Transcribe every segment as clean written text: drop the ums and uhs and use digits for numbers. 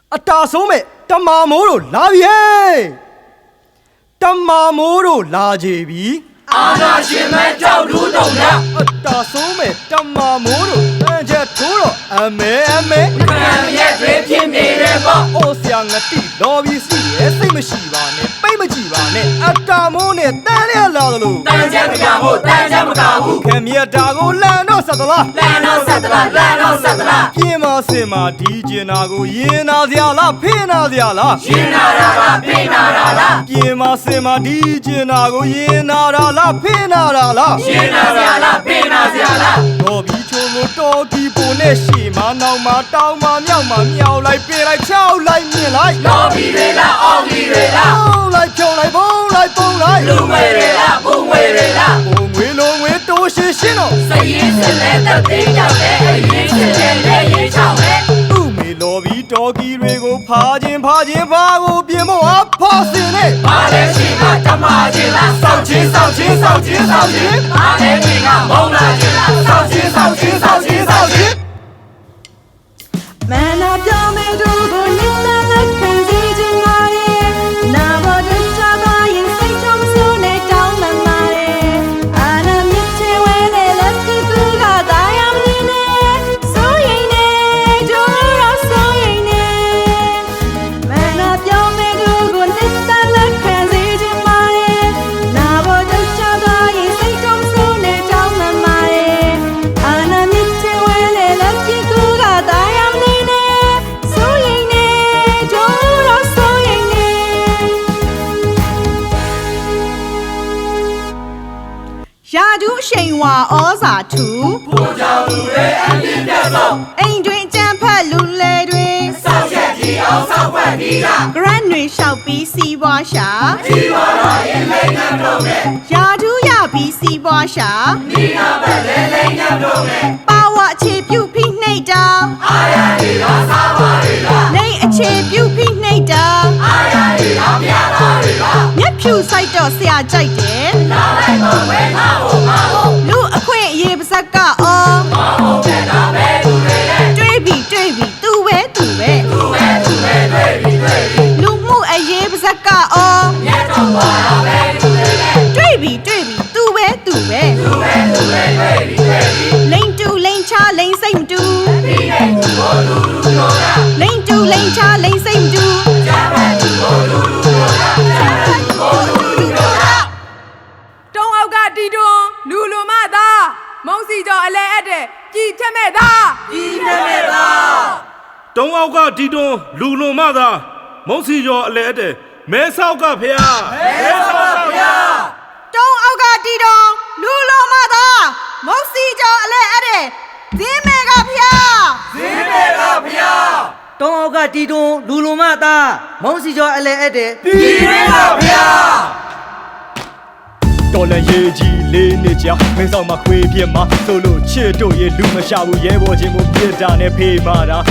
အတာဆုံးမဲ့တမာမိုးတို့လာပြီဟဲ့တမာမိုးတို့လာကြပြီအာနာရှင်မဲကြောက်လူတုံရအတာဆုံးမဲ့တမာမိုးတို့တန်ချက်ထိုးတော့အမဲခံရဲ့တွေဖြစ်နေတယ်ပေါ့အိုဆရာငတိလော်ဘီစီရဲ့စိတ်မရှိပါနဲ့ပိတ်မကြည့်ပါနဲ့အတာမိုးနဲ့တန်းရလာသလိုတန်းချက်မကဘူးတန်းချက်မကဘူးခင်မြတ်တာကိုလန်တော့ဆက်သလားပြင်းမစင်မာဒီကျင်နာကိုရင်နာစရာလားဖိနာစရာလားရင်နာတာလားဖိနာတာလားပြင်းမစင်မာဒီကျင်နာကိုရင်နာတာလားဖိနာတာလားရင်နာစရာလားဖိနာစရာလားတော်ပြီးချုံကိုတော်ဒီပုံနဲ့ရှေ့မှာနောက်မှာတောင်းမှာမြောက်မှာမြောက်လိုက်ပြင်လိုက်ချောက်လိုက်မြင်လိုက်တော်ပြီးတွေလားအောင်ပြီးတွေလားလိုက်ဖြုံလိုက်ပုံလိုက်လူငွေတွေလားဘုံငွေတွေလားဘုံငွေလုံးငွေတိုးရှင်းတော့စရင်စလဲတက်သေးကြောက်တယ်အရင်စလဲလက်ရင်ချောင်းပဲသူ့မေလော်ပြီးတော်ကီတွေကိုဖာခြင်းဘာကိုပြင်ဖို့ဖာစင်နဲ့ဘာလဲရှိမှတမခြင်းလားစောက်ခြင်းဘာလဲဒီကမုံလာခြင်းလားစောက်ခြင်းမနာပြောင်းမဲ့တို့ကိုညစ်တဲ့လက်ခံစီခြင်းပါလေနာဘောတချာပါရင်စိတ်ထုံးစိုးနေတောင်းမှန်ပါလေအာနာမြစ်ချဲဝဲတဲ့လက်ကူကတာယာမနေနဲ့ဆိုရင်နေတို့ရောဆိုရင်နေမနာပြောင်းမဲ့တို့ကိုညစ်တဲ့လက်ခံစီခြင်းပါလေနာဘောတချာပါရင်စိတ်ထုံးစိုးနေတောင်းမှန်ပါလေအာနာမြစ်ချဲဝဲတဲ့လက်ကူကတာယာရာဒူးရှိန်ဝါဩဇာထူဘုံကြောင့်လူတွေအပြည့်ပြတ်ဆုံးအိမ်တွင်ကြံဖက်လူလေတွေစောက်ချက်ကြီးအောင်စောက်ွက်ပြီးတာဂရန်တွေလျှောက်ပြီးစီးပွားရှာကြီးပါတော့ရင်လိမ့်နှံတော့မယ်ရာဒူးရပြီးစီးပွားရှာဒီနာပဲလိမ့်နှံတော့မယ်ပါဝအခြေပြုဖိနှိတ်တာအာရဒီလားစားပါလေလားလိမ့်အခြေပြုဖိနှိတ်တာအာရဒီလားပြတာလေလားမျက်ဖြူဆိုင်တော့ဆရာကြိုက်တယ်လာလိုက်တော့ဝဲငါ့ကိုလူအခွင့်အရေးပါဇက်ကအော်မဟုတ်တဲ့တာပဲသူတွေရဲ့တွေးပြီးသူပဲလူမှုအရေးပါဇက်ကအော်မြတ်တော်ပါပဲသူတွေရဲ့တွေးပြီးသူပဲလိန်တူလိန်ချလိန်စိတ်မတူပြီးတဲ့သူကိုလူပြောတာလိန်တူလိန်ချလိန်စိတ်မတူကြားပဲသူကိုလူပြောတာတုံးအောက်ကတီတွန်းလူလူမသားမုံစီကျော်အလဲအပ်တဲ့ကြည်ထက်မဲ့သားတုံးအောက်ကတီတွန်းလူလူမသားမုံစီကျော်အလဲအပ်တဲ့မဲဆောက်ကဖျားတုံးအောက်ကတီတွန်းလူလူမသားမုံစီကျော်အလဲအပ်တဲ့ဇင်းမဲကဖျားတုံးအောက်ကတီတွန်းလူလူမသားမုံစီကျော်အလဲအပ်တဲ့ပြည်မဲကဖျားတော်လန်ရေးကြီးလေးနှစ်ကြာမင်းဆောင်မှာခွေးပြစ်မှာဆိုလို့ချစ်တို့ရဲ့လူမရှာဘူးရဲဘော်ချင်းကိုပြစ်တာနဲ့ဖေးမာတာ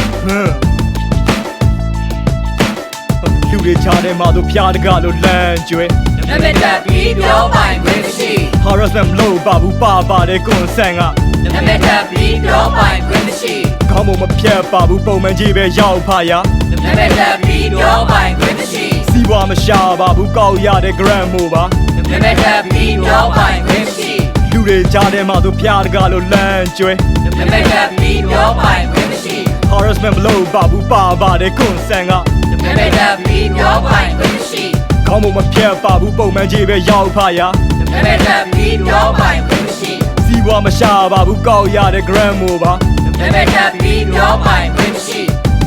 လူတွေချားတယ်မှာတို့ဖျားတကလို့လမ်းကျွဲနမတက်ပြီးပြောပိုင်ခွင့်မရှိ harassment မလုပ်ပါဘူးပါတယ်ကွန်ဆန်ကနမတက်ပြီးပြောပိုင်ခွင့်မရှိခေါင်းမဖြတ်ပါဘူးပုံမှန်ကြီးပဲရောက်ဖာရနမတက်ပြီးပြောပိုင်ခွင့်မရှိစီးပွားမရှာပါဘူးကောက်ရတဲ့ gram မို့ပါနမတက်ပြီးပြောပိုင်ခွင့်မရှိလူတွေကြားထဲမှာသူဖျားတကားလို့လမ်းကျွဲနမတက်ပြီးပြောပိုင်ခွင့်မရှိ harassment မလုပ်ပါဘူးပါတယ်ကွန်ဆန်ကနမတက်ပြီးပြောပိုင်ခွင့်မရှိခေါင်းမဖြတ်ပါဘူးပုံမှန်ကြီးပဲရောက်ဖာရနမတက်ပြီးပြောပိုင်ခွင့်မရှိစီးပွားမရှာပါဘူးကောက်ရတဲ့ gram မို့ပါနမတက်ပြီးပြောပိုင်ခွင့်မရှိ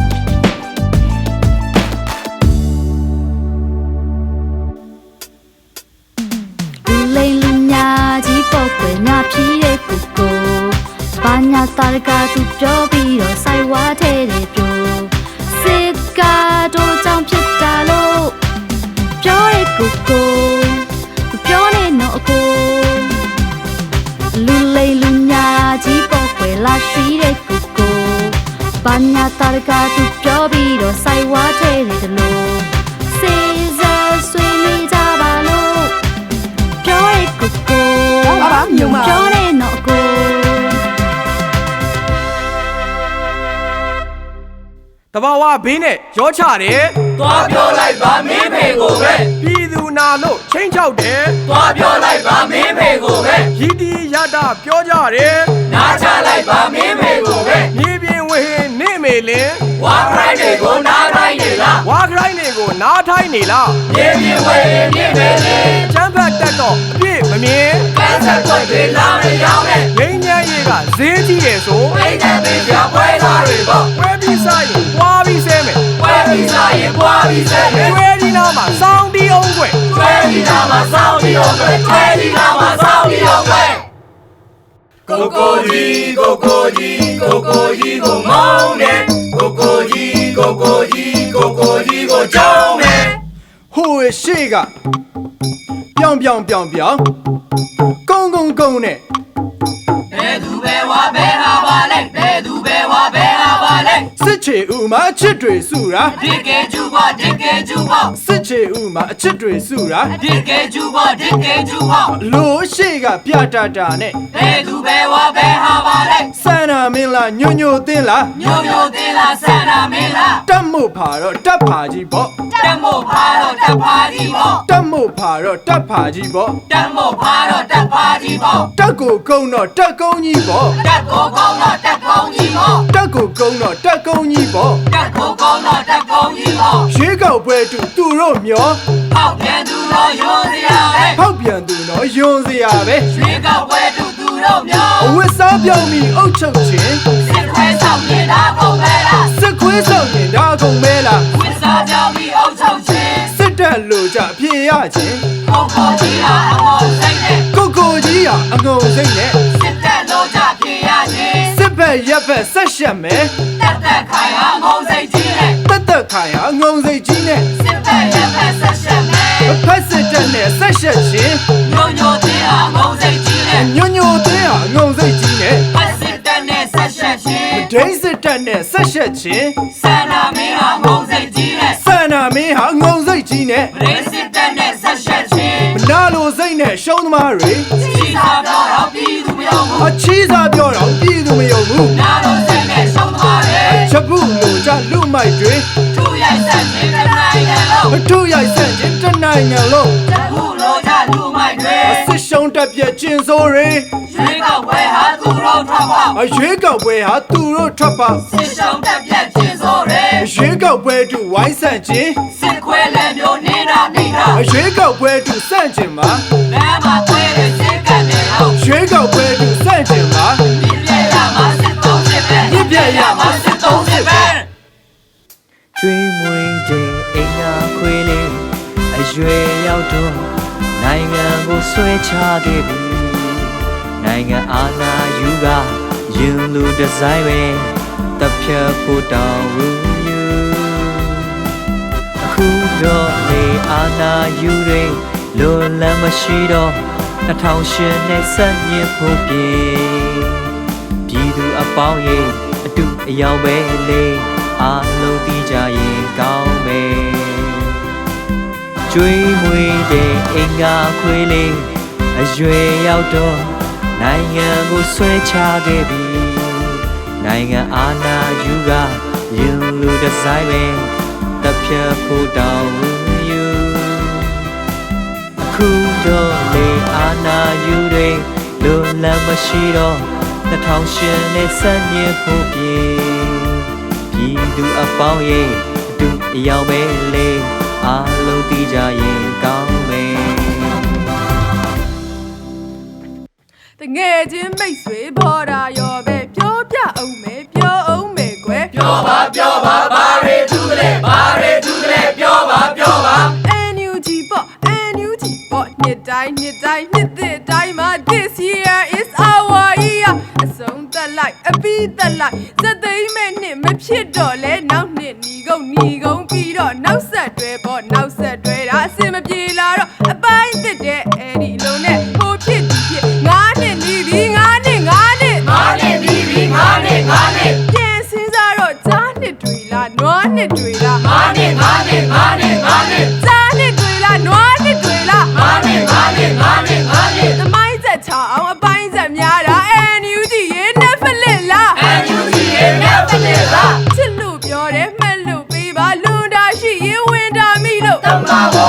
ညာဖြီးတဲ့ကိုကိုဘာညာတာရကသူပြောပြီးတော့ဆိုင်ဝါထဲတယ်ပြောစစ်ကားတို့ကြောင့်ဖြစ်တာလို့ပြောတဲ့ကိုကိုပြောနေတော့အကိုလူလိမ်လူညာကြီးပေါ်ွယ်လာရှိတဲ့ကိုကိုဘာညာတာရကသူပြောပြီးတော့ဆိုင်ဝါထဲတယ်လို့စေစားဆွေးနွေးကြပါလို့ပြောတဲ့ကိုကိုပြောနေတော့ကိုတဘာဝဘေးနဲ့ရောချတယ်သွားပြောလိုက်ပါမင်းဖေကိုပဲပြည်သူနာလို့ချင်းချောက်တယ်သွားပြောလိုက်ပါမင်းဖေကိုပဲရည်တီရတာပြောကြတယ်နားချလိုက်ပါမင်းဖေကိုပဲမြေပြင်ဝဟင်းနေမေလင်ဝါခရိုင်းတွေကိုနားတိုင်းနေလားဝါခရိုင်းတွေကိုနားထိုင်းနေလားမြေပြင်ဝဲမြင့်နေလေချမ်းဖတ်တတ်တော့အပြည့်မမြင်ကန်းဆက်ွက်တွေလာမရောက်နဲ့ငိမ့်ညမ်းရေးကဈေးကြီးတယ်ဆိုအိမ်နဲ့ပေးကြပွဲသားတွေပေါ့ဝဲပြီးစားရင်ပွားပြီးဆဲမယ်ပွဲပြီးစားရင်ပွားပြီးဆက်မယ်ကျွဲဒီနာမှာစောင်းတီးအောင်ွယ်ကျွဲဒီနာမှာစောင်းပြီးတော့ပဲကျွဲဒီနာမှာစောင်းပြီးတော့ပဲကိုကိုကြီးကိုကိုကြီးကိုကိုကြီးကိုမောင်းတယ်ကိုကိုကြီးကိုကိုကြီးကိုကိုကြီးကိုကြောင်းတယ်ဟိုရှေ့ကပြောင်ကုန်းနဲ့ဘယ်သူပဲဝါဘယ်ဟာပါလဲဘယ်သူပဲဝါဘယ်ဟာပါလဲစစ်ချေဥမှာအချစ်တွေစုတာဒီကေကျူပါဒီကေကျူပါစစ်ချေဥမှာအချစ်တွေစုတာဒီကေကျူပါဒီကေကျူပါလို့ရှေ့ကပြတတာနဲ့ဘယ်သူပဲဝါဘယ်ဟာပါလဲစန္နာမင်းလားညိုတင်းလားညိုညိုသေးလားဆန္ဒမင်းလားတက်မို့ဖာတော့တက်ဖာကြီးပေါ့တက်မို့ဖာတော့တက်ဖာကြီးပေါ့တက်မို့ဖာတော့တက်ဖာကြီးပေါ့တက်မို့ဖာတော့တက်ဖာကြီးပေါ့တက်ကိုကုန်းတော့တက်ကုန်းကြီးပေါ့တက်ကိုကောင်းတော့တက်ကောင်းကြီးပေါ့တက်ကိုကုန်းတော့တက်ကုန်းကြီးပေါ့တက်ကိုကောင်းတော့တက်ကောင်းကြီးပေါ့ရွေးကောက်ပွဲတူသူတို့မျောပေါက်ပြန်သူတော့ရိုးစရာပဲဖောက်ပြန်သူတော့ယွန်စရာပဲရွှေကောက်ပွဲတူသူတို့မျိုးအဝတ်စားပြောင်းပြီးအုတ်ချုပ်ခြင်းစစ်ခွဲဆောင်နေတာကုန်ပဲလားစစ်ခွေးဆောင်ရင်ဒါကုန်မဲလားဝစ်စားကြောင်းပြီးအုပ်ချုပ်ခြင်းစစ်တပ်လို့ကြအပြေရခြင်းကိုကိုကြီးဟာအမောစိတ်နဲ့ကိုကိုကြီးဟာအငုံစိတ်နဲ့စစ်တပ်လို့ကြပြေရခြင်းစစ်ဘက်ရက်ဘက်ဆက်ရှက်မယ်တက်တက်ခိုင်ဟာငုံစိတ်ကြီးနဲ့တက်တက်ခိုင်ဟာအငုံစိတ်ကြီးနဲ့စစ်တပ်ရဲ့ဖက်ဆက်ရှက်မယ်ဖက်စစ်တပ်နဲ့ဆက်ရှက်ခြင်းညိုညိုသေးဟာငုံစိတ်ကြီးနဲ့ညွညသေးဟာအငုံစိတ်ကြီးနဲ့ဖက်စစ်တပ်နဲ့ဆက်ရှက်ခြင်းဒိန်းစစ်တပ်နဲ့ဆက်ရှက်ခြင်းဆန္ဒမင်းဟာငုံစိတ်ကြီးနဲ့ဆန္နာမင်းဟာအငုံစိတ်ကြီးနဲ့ဗရေးစစ်တပ်နဲ့ဆက်ရှက်ခြင်းမနာလိုစိတ်နဲ့ရှုံးသမားတွေကြီးသာတော့တော့ပြီးသူမယုံဘူးအချီးစားပြောတော့ပြည်သူမယုံဘူးနာလို့စိတ်နဲ့ရှုံးသွားတယ်ချက်ပုလိုကြလူမိုက်တွေသူ့ရိုက်ဆက်ခြင်းတစ်နိုင်ငံလုံးမထုရိုက်ဆန့်ခြင်းတစ်နိုင်ငံလုံးသူ့လိုချလူမိုက်တွေစစ်ရှုံးတက်ပြက်ကျင်စိုးတွေရွှေကောက်ပွဲဟာသူ့တို့ထွက်ပေါက်အရွေးကောက်ပွဲဟာသူတို့ထွက်ပါစစ်ရှုံးတက်ပြက်ခြင်းစိုးတွေအရွေးကောက်ပွဲတူဝိုင်းဆန့်ခြင်းစစ်ခွဲလည်းမျိုးနေတာနေတာအရွေးကောက်ပွဲတူဆန့်ခြင်းမှာလမ်းမှာခွဲတဲ့စစ်ကန်တွေတော့ရွေးကောက်ပွဲတူဆန့်ခြင်းမှာပြည့်ပြည့်ရမှာစစ်သုံးစစ်ပဲပြည့်ပြည့်ရမှာစစ်သုံးစစ်ပဲကျွေးမွေးတဲ့အင်္ဂါခွေလေးအရွယ်ရောက်တော့နိုင်ငံကိုဆွဲချခဲ့ပြီနိုင်ငံအာဏာယူကရင်လူဒီဇိုင်းပဲတပ်ဖြတ်ဖို့တောင်းဝူယူအခုတော့လေအာဏာယူတွေလိုလမ်းမရှိတော့2008နဲ့ဆက်ညစ်ဖို့ပြေပြည်သူအပေါင်းရဲ့အတူအယောင်ပဲလေအားလုံးသိကြရင်ကောင်းမယ်ကျွေးမွေးတဲ့အင်္ဂါခွေလေးအရွယ်ရောက်တော့နိုင်ငံကိုဆွဲချခဲ့ပြီနိုင်ငံအာဏာယူကရင်လူဒီဇိုင်းပဲတပ်ဖြတ်ဖို့တောင်းယူအခုတော့လေအာဏာယူတွေလိုလမ်းမရှိတော့2008နဲ့ဆက်ညစ်ဖို့ပြေပြည်သူအပေါင်းရဲ့အတူအယောင်ပဲလေအားလုံးသိကြရင်ကောင်းမယ်တငယ်ချင်းမိတ်ဆွေဘော်ဒါရောပဲပြောပြအောင်မယ်ပြောအောင်မယ်ကွယ်ပြောပါဘာတွေထူးကလေးဘာတွေထူးကလေးပြောပါ NUG ပေါ့ NUG ပေါ့နှစ်တိုင်းနှစ်သစ်တိုင်းမှာ this year is our year အဆုံးသက်လိုက်အပြီးသက်လိုက်စက်သိမ်းမဲ့နှစ်မဖြစ်တော့လဲနောက်နှစ်ညီကုန်ပြီးတော့နောက်ဆက်တွဲပေါ့နောက်ဆက်တွဲတာအစင်မပြေလာတော့အပိုင်းသစ်တဲ့အဲ့ဒီလုံးနဲ့ဟိုဖြစ်ဒီဖြစ်9နှစ်နီးပြီ9နှစ်ငါနဲ့ပြီးပြီငါနဲ့ပြန်စင်းစားတော့ကြားနှစ်တွေလားနွားနှစ်တွေလားငါနဲ့ကြားနှစ်တွေလားနွားနှစ်တွေလားငါနဲ့သမိုင်းဆက်ချအောင်အပိုင်းဆက်များတာ NUG ရေနဲ့ဖလစ်လား NUG ရဲ့နဲ့ဖလစ်လားချစ်လို့ပြောတယ်မှန်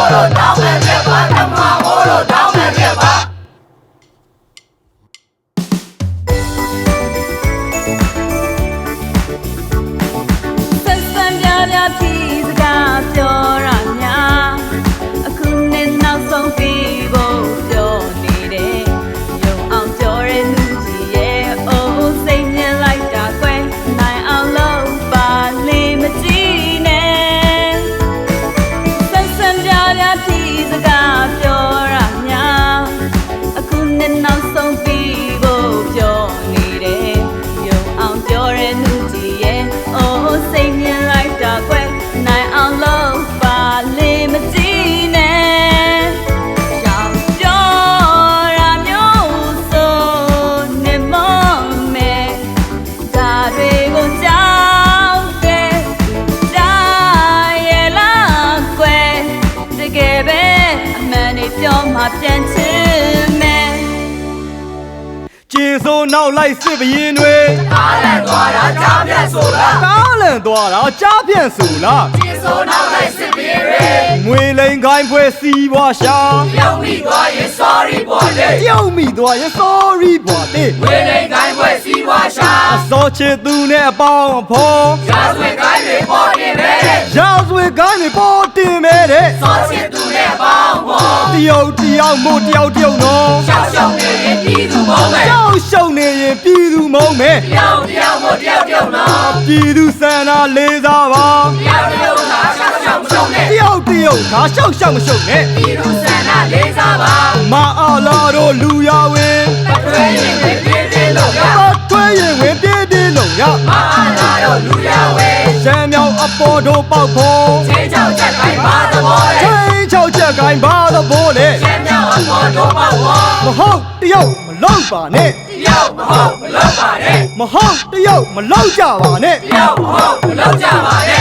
လို့တောင်းမဲ့ပြပါဓမ္မဟောလို့တောင်းမဲ့ပြပါဆက်ဆံပြပြဖြစ်စကားပြောရများအခုနဲ့နောက်ဆုံးပြီးဖို့ပြောနေတယ်ယုံအောင်ပြောရတဲ့လူကြီးရဲ့အိုးစိတ်မြင်လိုက်တာကွယ်နိုင်အောင်လုပ်ပါလေမကြည့်နဲ့ဆက်ဆံပြပြဖြစ်စကားပြောရများအခုနဲ့နောက်ဆုံးပြီးဖို့ပြောနေတယ်ယုံအောင်ပြောရတဲ့လူကြီးရဲ့အိုးစိတ်မြင်လိုက်တာကွယ်နိုင်အောင်လုပ်ပါလေမကြည့်နဲ့ရောင်ပြောရမျိုးဆိုနေမမဲဒါတွေကိုကြောက်တယ်ဒါရဲ့လားကွယ်တကယ်ပဲအမှန်တွေပြောမှပြန်ချင်မယ်ကျင်စိုးနောက်လိုက်စစ်ဘရင်တွေအားလန့်သွားတာကြားပြတ်ဆိုလားကားလန်သွားတာကြားပြန့်ဆိုလားဒီဆိုနောက်လိုက်စစ်ပြေးရဲငွေလိန်ခိုင်းဖွဲစီးပွားရှာရောက်မိသွားရင် sorry ပေါ်လေပြုံးမိသွားရင် sorry ဘွာတေဝေလိန်ကိုင်းပွဲစီးပွားရှာအစောချစ်သူနဲ့အပေါင်းအဖော်ရာဇဝင်ကိုင်းတွေပေါ်နေပဲရာဇဝေကိုင်းတွေပေါ်တင်မဲတဲ့စောချစ်သူနဲ့ပေါင်းပေါ်တယောက်တယောက်မို့တယောက်တယောက်နော်ရှောက်ရှောက်နေရင်ပြည်သူမောင်းမယ်ကြောက်ရှုံနေရင်ပြည်သူမုံမဲတယောက်တယောက်မို့တယောက်တယောက်နော်ပြည်သူစန္ဒလေးစားပါတယောက်တယောက်သာရှောက်ရှောက်မရှုံးနဲ့တယောက်တယောက်ဒါရှောက်ရှောက်မရှုံနဲ့ပြည်သူစန္ဒလေးစားပါမအားလာတို့လူရဝင်အထွေးရင်တွေပြင်းပြင်းလို့ရပတ်ထွေးရင်ဝင်ပြေးပြေးလုံးရမအားလာတော့လူရဝဲရှမ်းမြောင်အပေါ်တို့ပေါက်ဖို့ချင်းချောက်ချက်ကိုင်းပါသဘောလေချင်းချောက်ချက်ကိုင်းပါတော့ဘိုးလေရှမ်းမြောက်အပေါ်တို့ပေါ့ဝါမဟုတ်တယောက်မလောက်ပါနဲ့တယောက်မဟုတ်မလုပ်ပါနဲ့မဟုတ်တယောက်မလောက်ကြပါနဲ့တယောက်မဟုတ်မလုပ်ကြပါနဲ့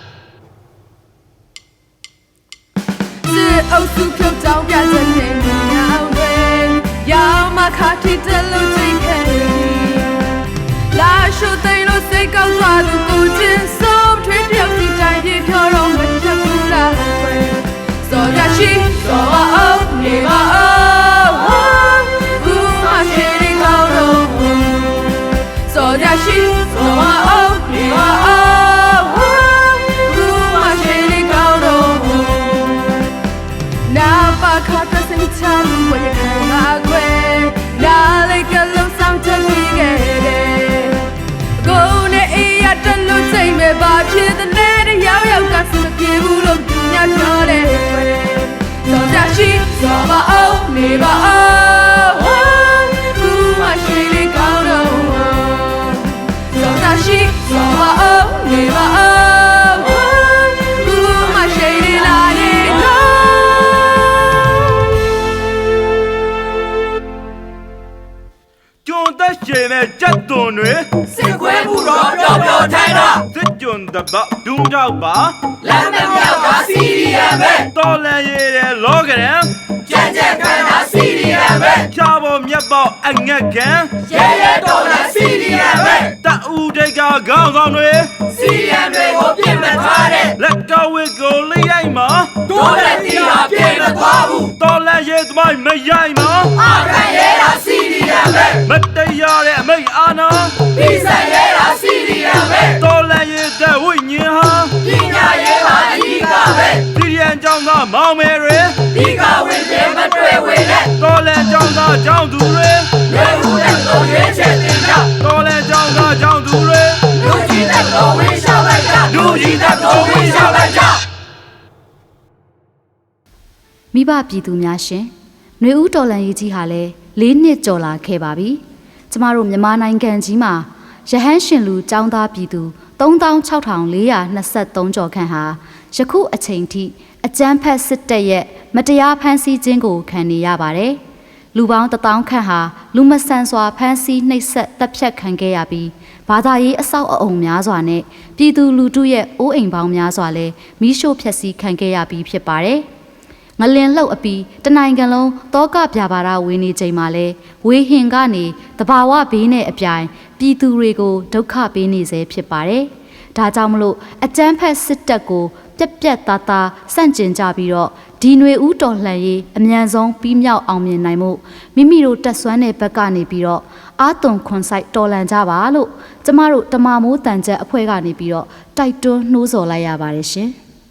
စစ်အုပ်စုဖြုတ်ကြောင်းပြချက်နဲ့မြေအောင်တွေရောင်မခါထိတယ်လို့ချိန်ခဲ့လာရှုသိမ်းလို့စိတ်ကောက်သွားသူကိုချင်းဆုံးထွေးတယောက်စီတိုင်းပြေဖြောတော့မချက်ဘူးလားကွယ်စောရရှိစောအောင်နေပါအောင်ဘူးမရှိရင်ကောင်းတော့စောရရှိစောအောင်နေပါအောင်ဘူးမရှိရင်ကောင်းတော့ နာပါခါတစင်ချမ်းဝေခံပါခွေနာလေးကလုံးဆောင်ချက်ပြီးခဲ့တယ်ကိုနဲ့အေးရတလို့ချိန်မဲ့ပါဖြစ်တဲ့တဲ့ရောက်ရောက်ကစမပြေဘူးလို့သူများပြောတယ်ခွေတော့ကြရှိစောပါအောင်နေပါအောင်ဘူးမရှိလေကောင်းတော့တော့ကြရှိစောပါအောင်နေပါအောင်ဘူးမရှိလေလာနေတော့ကျွန်သက်ရှင်တဲ့ကြက်သွန်တွေစစ်ခွဲမှုတော့ပျော်ပျော်ထိုင်တာစစ်ကျွန်တပတ်ဒုံတော့ပါလမ်းမမြောက်ကစီရီယံပဲတော်လန်ရည်တဲ့လောကရန်ကြက်ကြက်ခံတာစီရီယံပဲချာပေါ်မြတ်ပေါ်အငက်ခံရဲရဲတော်လာစီရီယံပဲတအူတိတ်ကခေါင်းဆောင်တွေစီရီယံတွေကိုပြင်မထားတဲ့လက်ကဝစ်ကိုလေးရိုက်မှာတို့လက်တီဟာပြင်မသွားဘူးတော်လန်ရည်သမိုင်းမရိုက်မှာအခန့်ရဲတာစီရီယံပဲမတရားတဲ့အမိတ်အာနာပြီးဆက်ရဲတာစီရီယံပဲတော်လန်ရည်တဲ့ဝိညာဉ်ဟာပညာရေးပါအကြီးကပဲစီရီယန်ကြောင့်သာမောင်မယ်တွေဒီကဝင်ပြမတွေ့ဝင်နဲ့တော်လန်ကြောင့်သာကြောင့်သူတွေရွေးဦးတဲ့ကိုရွေးချက်တင်ကြတော်လန်ကြောင့်သာကြောင့်သူတွေလူကြီးတဲ့ကိုဝင်ရှောက်လိုက်ကြလူကြီးတဲ့ကိုဝင်ရှောက်လိုက်ကြမိဘပြည်သူများရှင်ຫນွေဦးတော်လန်ရေးကြီးဟာလည်း၄နှစ်ကျော်လာခဲ့ပါပြီကျမတို့မြန်မာနိုင်ငံကြီးမှာရဟန်းရှင်လူចောင်းသားပြည်သူ36,423ကျော်ခန့်ဟာယခုအချိန်ထိအကြမ်းဖက်စစ်တပ်ရဲ့မတရားဖမ်းဆီးခြင်းကိုခံနေရပါတယ်လူပေါင်း1000ခန့်ဟာလူမဆန်စွာဖမ်းဆီးနှိပ်စက်တပ်ဖြတ်ခံခဲ့ရပြီးဘာသာရေးအဆောက်အအုံများစွာနဲ့ပြည်သူလူထုရဲ့အိုးအိမ်ပေါင်းများစွာလည်းမိရှို့ဖျက်ဆီးခံခဲ့ရပြီးဖြစ်ပါတယ်ငလင်လှုပ်အပြီးတနိုင်ငံလုံးတောကပြပါရဝေနေချိန်မှာလဲဝေဟင်ကနေတဘာဝဘေးနဲ့အပြိုင်ပြည်သူတွေကိုဒုက္ခပေးနေစေဖြစ်ပါတယ်။ဒါကြောင့်မလို့အကြမ်းဖက်စစ်တပ်ကိုပြက်ပြက်သားသားစန့်ကျင်ကြပြီးတော့ဒီຫນွေဦးတော်လှန်ရေးအမြန်ဆုံးပြီးမြောက်အောင်မြင်နိုင်မှုမိမိတို့တက်ဆွမ်းတဲ့ဘက်ကနေပြီးတော့အာသွန်ခွန်ဆိုင်တော်လှန်ကြပါလို့ကျမတို့တမမိုးတန်ချက်အဖွဲ့ကနေပြီးတော့တိုက်တွန်းနှိုးဆော်လိုက်ရပါတယ်ရှင်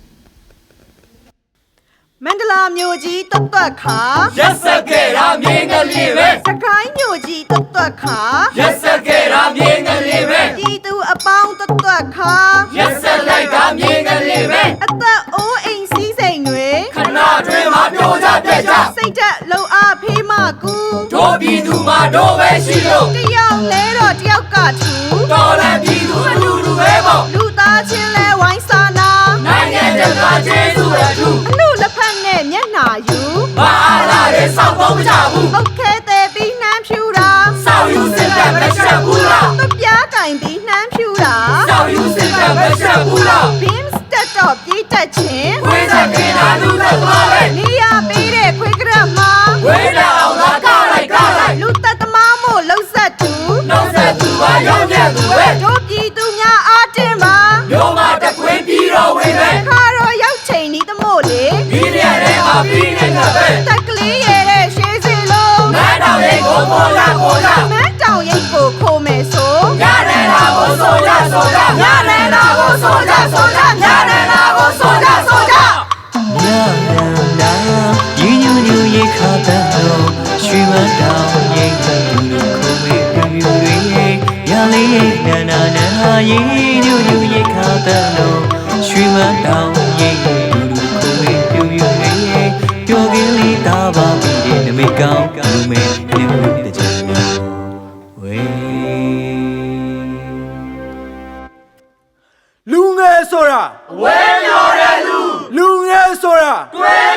မန္တလာမြို့ကြီးတွတ်တွတ်ခါရက်စက်ခဲ့တာမြင်းကလေးပဲစကိုင်းမြို့ကြီးတွတ်တွတ်ခါရက်စက်ခဲ့တာမြင်းကလေးပဲပြည်သူအပေါင်းတွတ်တွတ်ခါရက်စက်လိုက်တာမြင်းကလေးပဲအသက်အိုးအိမ်စည်းစိမ်တွေခဏတွင်မှာပြောကြပြက်ကြစိတ်သက်လုံအားဖေးမကူတို့ပြည်သူမှာတို့ပဲရှိလို့တယောက်လဲတော့တယောက်ကထူတော်လန်ပြည်သူအတူတူပဲပေါ့လူသားချင်းလဲဝိုင်းစာနာနိုင်ငံတကာကျေးဇူးအထူးအမှုလက်ဖက်နဲ့မျက်နှာယူဘာအားလာတဲ့စောက်တော့မကြဘူးပုတ်ခဲတဲ့ပြီးနှမ်းဖြူတာစောက်ယူစစ်တပ်မရှက်ဘူးလားသူပြားကင်ပြီးနှမ်းဖြူတာစောက်ယူစစ်တပ်မရှက်ဘူးလားဘင်းစတက်တော့ပြေးတက်ခြင်းဝိဇ္ဇာကင်းတာလူသက်သွားပဲနေရပေးတဲ့ခွေးကရက်မှာဝိဇ္ဇာအောင်သာကားလိုက်ကားလိုက်လူသက်သမားမို့လှုပ်ဆက်သူနှုတ်ဆက်သူပါရောက်မြတ်သူပဲတို့ပြည်သူများအားတင်ပါမျိုးမတကွင်းပြီးတော့ဝင်ပဲခါတော့ရောက်ချိန်ဤသမို့လေမီဒီယာထဲမှာပြီးနေတာပဲတက်ကလေးရဲ့တဲ့ရှေးစီလုံးမန်းတော်ရဲ့ကိုပေါ်လာပေါ်လာမန်းတောင်ရိပ်ကိုခိုးမယ်ဆိုရတယ်လားကိုဆိုကြဆိုကြရတယ်လားကိုဆိုကြဆိုကြရတယ်လားကိုဆိုကြဆိုကြ La la la, you ye khata no, shriman down ye you kome you ye, ya le na na na you ye khata no, shriman down ye you kome you ye, pyo gili ta ba bi de na me kaung lu me ne hu de chan we လူငယ်ဆိုတာဝဲပြောတဲ့လူလူငယ်ဆိုတာတွဲ